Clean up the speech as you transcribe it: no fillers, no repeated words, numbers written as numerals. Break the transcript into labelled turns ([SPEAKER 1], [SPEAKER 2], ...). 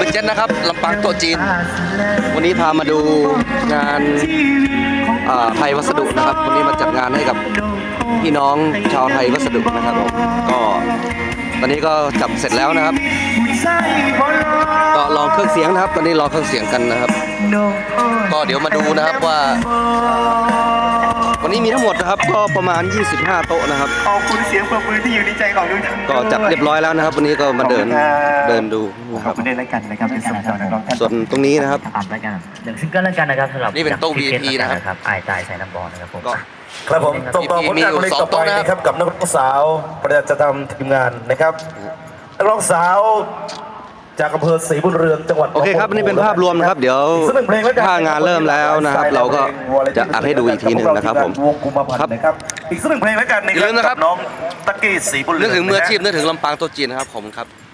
[SPEAKER 1] เจ็ดนะครับลำปางโต๊ะจีนวันนี้พามาดูงานไทยวัสดุนะครับวันนี้มาจัดงานให้กับพี่น้องชาวไทยวัสดุนะครับผมก็ตอนนี้ก็จับเสร็จแล้วนะครับก็ลองเครื่องเสียงนะครับตอนนี้รอเครื่องเสียงกันนะครับก็เดี๋ยวมาดูนะครับว่าวันนี้มีทั้งหมดนะครับก็ประมาณ25โต๊ะนะครับ
[SPEAKER 2] ขอบคุณเสียงปรบมือที่อยู่ในใจของทุกท่าน
[SPEAKER 1] ก็จัดเรียบร้อยแล้วนะครับวันนี้ก็มาเดินดูนะค
[SPEAKER 2] ข
[SPEAKER 1] รั
[SPEAKER 2] อบบ คุณด้วยแล้วกันนะครับเป็นสำหรับนักร้องท่าน
[SPEAKER 1] ส่วนตรงนี้นะครับ
[SPEAKER 3] อ่านแล้วกันหนึ่งซิงเกิลแล้วกันนะครับสำหรับ
[SPEAKER 1] นี่เป็นโต๊ะ VIP นะครับ
[SPEAKER 3] อายตายใส่น้ำบอลนะครับผม
[SPEAKER 1] ก็
[SPEAKER 4] ครับผมต่อผลงานเพลงต่อไปนะครับกับนักร้องสาวประจำทำทีมงานนะครับนักร้องสาวจากอำเภอศรีบุญเรืองจังหวัด
[SPEAKER 1] โอเคครับนี่เป็นภาพรวมนะครับเดี๋ยวถ้างานเริ่มแล้วนะครับเราก็จะอัพให้ดูอีกทีหนึ่งนะครับผม
[SPEAKER 4] วงกุมภาพันธ์นะครับอีกสักหนึ่งเพลงแล้วกัน
[SPEAKER 1] อย่าลืมนะครับ
[SPEAKER 4] น้องตะกี้ศรีบุญเรื
[SPEAKER 1] นึ
[SPEAKER 4] อก ง
[SPEAKER 1] ถึงมืออาชีพนึกถึงลำปางโต๊ะจีนนะครับผมครับ